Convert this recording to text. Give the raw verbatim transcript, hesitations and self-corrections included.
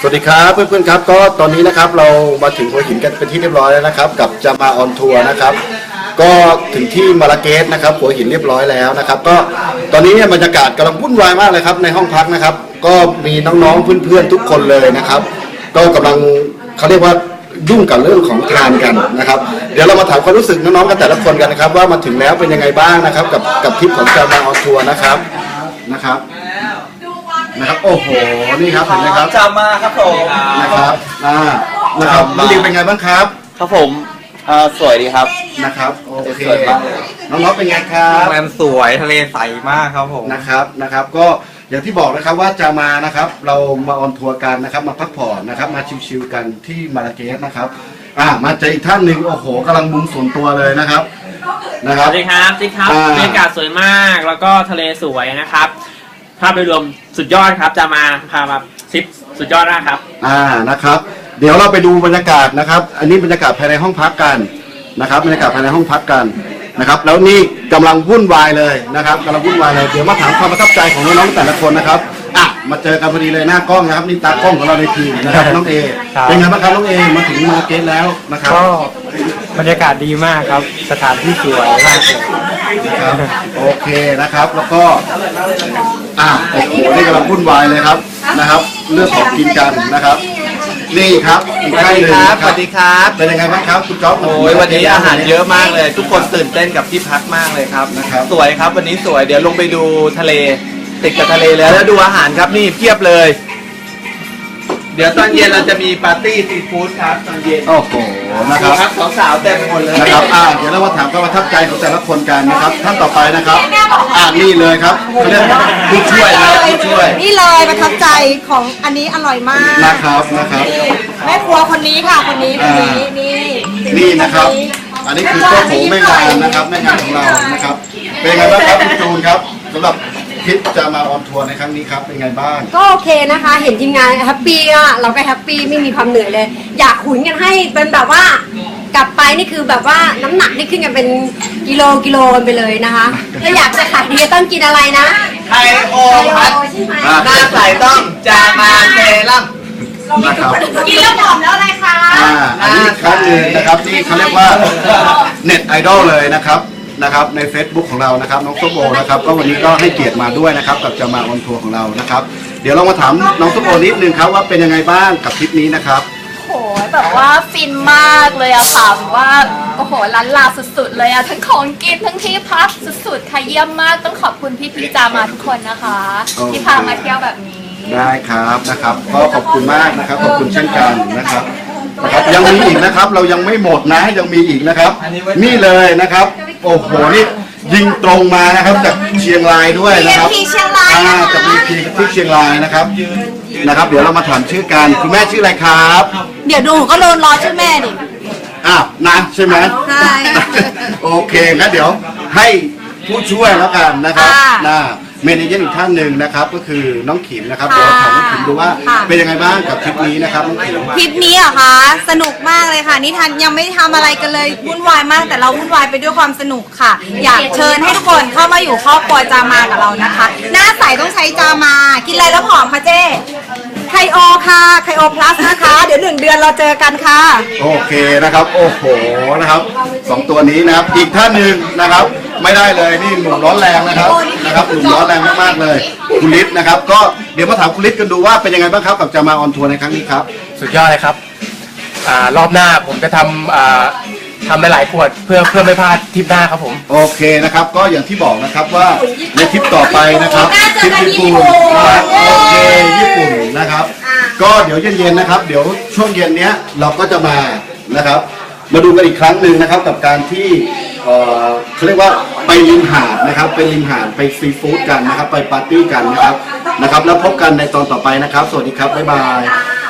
สวัสดีครับเพื่อนๆครับก็ตอนนี้นะครับเรามาถึงหัวหินกันเป็นที่เรียบร้อยแล้วนะครับกับจะมาออนทัวร์นะครับก็ถึงที่มาราเกสนะครับหัวหินเรียบร้อยแล้วนะครับก็ตอนนี้เนี่ยบรรยากาศกำลังวุ่นวายมากเลยครับในห้องพักนะครับก็มีน้องๆเพื่อนๆทุกคนเลยนะครับก็กำลังเขาเรียกว่ายุ่งกับเรื่องของทานกันนะครับเดี๋ยวเรามาถามความรู้สึกน้องๆกันแต่ละคนกันนะครับว่ามาถึงแล้วเป็นยังไงบ้างนะครับกับกับทริปของจะมาออนทัวร์นะครับนะครับนะครับโอ้โหนี่ครับเห็นไหมครับจะมาครับผมนะครับอ่านะครับน้องดิวเป็นไงบ้างครับครับผมอ่าสวยดีครับนะครับโอเคน้องๆเป็นไงครับโรงแรมสวยทะเลใสมากครับผมนะครับนะครับก็อย่างที่บอกนะครับว่าจะมานะครับเรามาออนทัวร์กันนะครับมาพักผ่อนนะครับมาชิลๆกันที่มาราเกสนะครับอ่ามาเจออีกท่านหนึ่งโอ้โหกำลังมุงส่วนตัวเลยนะครับนะครับสวัสดีครับจิ๊กครับบรรยากาศสวยมากแล้วก็ทะเลสวยนะครับภาพโดยรวมสุดยอดครับจะมาพามาทริปสุดยอดมากครับอ่านะครับเดี๋ยวเราไปดูบรรยากาศนะครับอันนี้บรรยากาศภายในห้องพักกันนะครับบรรยากาศภายในห้องพักกันนะครับแล้วนี่กำลังวุ่นวายเลยนะครับกำลังวุ่นวายเลยเดี๋ยวมาถามความประทับใจของน้องๆแต่ละคนนะครับอ่ะมาเจอกันพอดีเลยหน้ากล้องนะครับนี่ตากล้องของเราในทีมนะครับน้องเอเป็นไงบ้างครับน้องเอมาถึงมาเกสแล้วนะครับก็บรรยากาศดีมากครับสถานที่สวยมากนะครับโอเคนะครับแล้วก็อ่ะโอ้โหนี่กำลังวุ่นวายเลยครับนะครับเรื่องของกินกันนะครับนี่ครับอีกท่านหนึ่งสวัสดีครับเป็นยังไงบ้างครับคุณจ๊อบโอ้ยวันนี้อาหารเยอะมากเลยทุกคนตื่นเต้นกับที่พักมากเลยครับนะครับสวยครับวันนี้สวยเดี๋ยวลงไปดูทะเลติดกับทะเลแล้วแล้วดูอาหารครับนี่เพียบเลยเดี๋ยวตอนเย็นเราจะมีปาร์ตี้ซีฟู้ดครับตอนเย็นโอ้โหนะครับสาวๆเต็มไปหมดเลยนะครับอ่าเดี๋ยวเรามาถามความประทับใจของแต่ละคนกันนะครับท่านต่อไปนะครับอ่านี่เลยครับเขาเรียกผู้ช่วยนะผู้ช่วยนี่เลยประทับใจของอันนี้อร่อยมากนะครับนะครับแม่ครัวคนนี้ค่ะคนนี้คนนี้นี่นี่นะครับอันนี้คือเจ้าของแม่งานนะครับแม่งานของเรานะครับเป็นไงบ้างครับคุณจูนครับสำหรับทริปจะมาออนทัวร์ในครั้งนี้ครับเป็นไงบ้างก็โอเคนะคะเห็นทีมงานแฮปปี้อ่ะเราก็แฮปปี้ไม่มีความเหนื่อยเลยอยากหุนกันให้เป็นแบบว่ากลับไปนี่คือแบบว่าน้ำหนักนี่ขึ้นกันเป็นกิโลกิโลกันไปเลยนะคะถ้าอยากจะขายดีต้องกินอะไรนะไทโอพัดหน้าใสต้องจามาเซรั่มกินแล้วหอมแล้วอะไรคะอ่าอันนี้ครั้งหนึ่งนะครับที่เขาเรียกว่าเน็ตไอดอลเลยนะครับนะครับใน Facebook ของเรานะครับน้องส้มโอนะครับก็วันนี้ก็ให้เกียรติมาด้วยนะครับกับจะมาออนทัวร์ของเรานะครับเดี๋ยวเรามาถามน้องส้มโอนิดนึงครับว่าเป็นยังไงบ้างกับทริปนี้นะครับโหแบบว่าฟินมากเลยอะค่ะแบบว่าโอ้โหล้านลาสุดๆเลยอะทั้งของกินทั้งที่พักสุดๆค่ะเยี่ยมมากต้องขอบคุณพี่ๆจามาทุกคนนะคะที่พามาเที่ยวแบบนี้ได้ครับนะครับก็ขอบคุณมากนะครับขอบคุณเช่นกันนะครับนะครับยังมีอีกนะครับเรายังไม่หมดนะยังมีอีกนะครับนี่เลยนะครับโอ้โหนี่ยิงตรงมานะครับจากเชียงรายด้วยนะครับที่เชียงรายจากมีพีที่เชียงรายนะครับนะครับเดี๋ยวเรามาถามชื่อกันคุณแม่ชื่ออะไรครับเดี๋ยวดูก็โดนรอชื่อแม่ดิอ้าวนะใช่ไหมใช่โอเคงั้นเดี๋ยวให้ผู้ช่วยแล้วกันนะครับนะเมเนเจอร์อีกท่านหนึ่งนะครับก็คือน้องขิมนะครับเดี๋ยวถามน้องขิมดูว่าเป็นยังไงบ้างกับทริปนี้นะครับน้องขิมทริปนี้เหรอคะสนุกมากเลยค่ะนี่ทันยังไม่ทำอะไรกันเลยวุ่นวายมากแต่เราวุ่นวายไปด้วยความสนุกค่ะอยากเชิญให้ทุกคนเข้ามาอยู่ครอบครัวจามากับเรานะคะหน้าใสต้องใช้จามากินอะไรแล้วผอมคะเจ๊ไคโอค่ะไคโอพลัสนะคะเดี๋ยวหนึ่งเดือนเราเจอกันค่ะโอเคนะครับโอ้โหนะครับสองตัวนี้นะครับอีกท่านหนึ่งนะครับไม่ได้เลยนี่หนุ่มร้อนแรงนะครับนะครับหนุ่มร้อนแรงมากๆเลยคุณฤทธิ์นะครับก็เดี๋ยวมาถามคุณฤทธิ์กันดูว่าเป็นยังไงบ้างครับกับจะมาออนทัวร์ในครั้งนี้ครับสุดยอดเลยครับอ่ารอบหน้าผมจะทำอ่าทำหลายๆขวดเพื่อเพื่อไม่พลาดทริปหน้าครับผมโอเคนะครับก็อย่างที่บอกนะครับว่าในทริปต่อไปนะครับทริปญี่ปุ่นนะครับโอเคญี่ปุ่นนะครับก็เดี๋ยวเย็นๆนะครับเดี๋ยวช่วงเย็นเนี้ยเราก็จะมานะครับมาดูกันอีกครั้งหนึ่งนะครับกับการที่เอ่อเขาเรียกว่าไปริมหาดนะครับไปริมหาดไปซีฟู้ดกันนะครับไปปาร์ตี้กันนะครับนะครับแล้วพบกันในตอนต่อไปนะครับสวัสดีครับบ๊ายบาย